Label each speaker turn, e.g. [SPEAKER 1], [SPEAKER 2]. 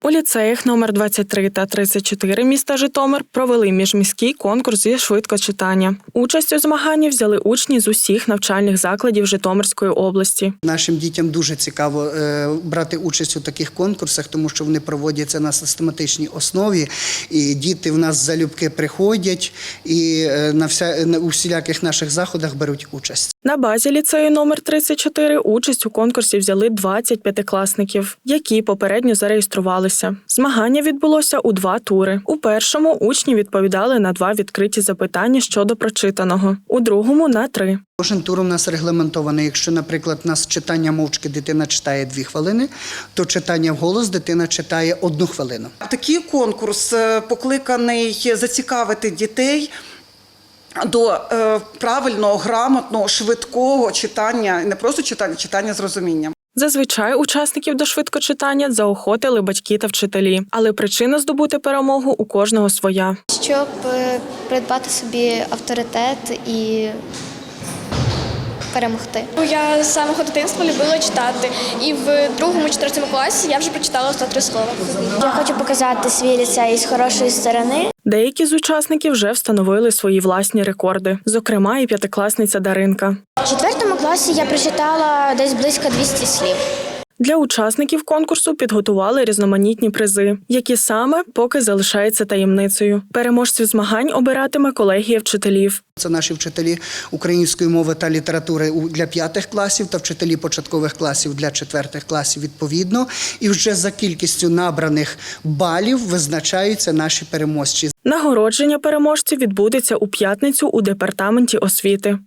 [SPEAKER 1] У ліцеях номер 23 та 34 міста Житомир провели міжміський конкурс зі швидкочитання. Участь у змаганні взяли учні з усіх навчальних закладів Житомирської області.
[SPEAKER 2] Нашим дітям дуже цікаво брати участь у таких конкурсах, тому що вони проводяться на систематичній основі, і діти в нас залюбки приходять і у всіляких наших заходах беруть участь.
[SPEAKER 1] На базі ліцею номер 34 участь у конкурсі взяли 20 п'ятикласників, які попередньо зареєструвалися. Змагання відбулося у 2 тури. У першому учні відповідали на 2 відкриті запитання щодо прочитаного, у другому – на 3.
[SPEAKER 2] Кожен тур у нас регламентований. Якщо, наприклад, у нас читання мовчки дитина читає 2 хвилини, то читання вголос дитина читає 1 хвилину.
[SPEAKER 3] Такий конкурс покликаний зацікавити дітей до правильного, грамотного, швидкого читання, не просто читання, читання з розумінням.
[SPEAKER 1] Зазвичай учасників до швидкочитання заохотили батьки та вчителі, але причина здобути перемогу у кожного своя.
[SPEAKER 4] Щоб придбати собі авторитет і перемогти.
[SPEAKER 5] Я з самого дитинства любила читати, і в 2-4 класі я вже прочитала 103 слова.
[SPEAKER 4] Я хочу показати свій ліцей з хорошої сторони.
[SPEAKER 1] Деякі з учасників вже встановили свої власні рекорди, зокрема і п'ятикласниця Даринка.
[SPEAKER 4] У 4 класі я прочитала десь близько 200 слів.
[SPEAKER 1] Для учасників конкурсу підготували різноманітні призи, які саме поки залишаються таємницею. Переможців змагань обиратиме колегія вчителів.
[SPEAKER 2] Це наші вчителі української мови та літератури для 5 класів та вчителі початкових класів для 4 класів відповідно. І вже за кількістю набраних балів визначаються наші переможці.
[SPEAKER 1] Нагородження переможців відбудеться у п'ятницю у департаменті освіти.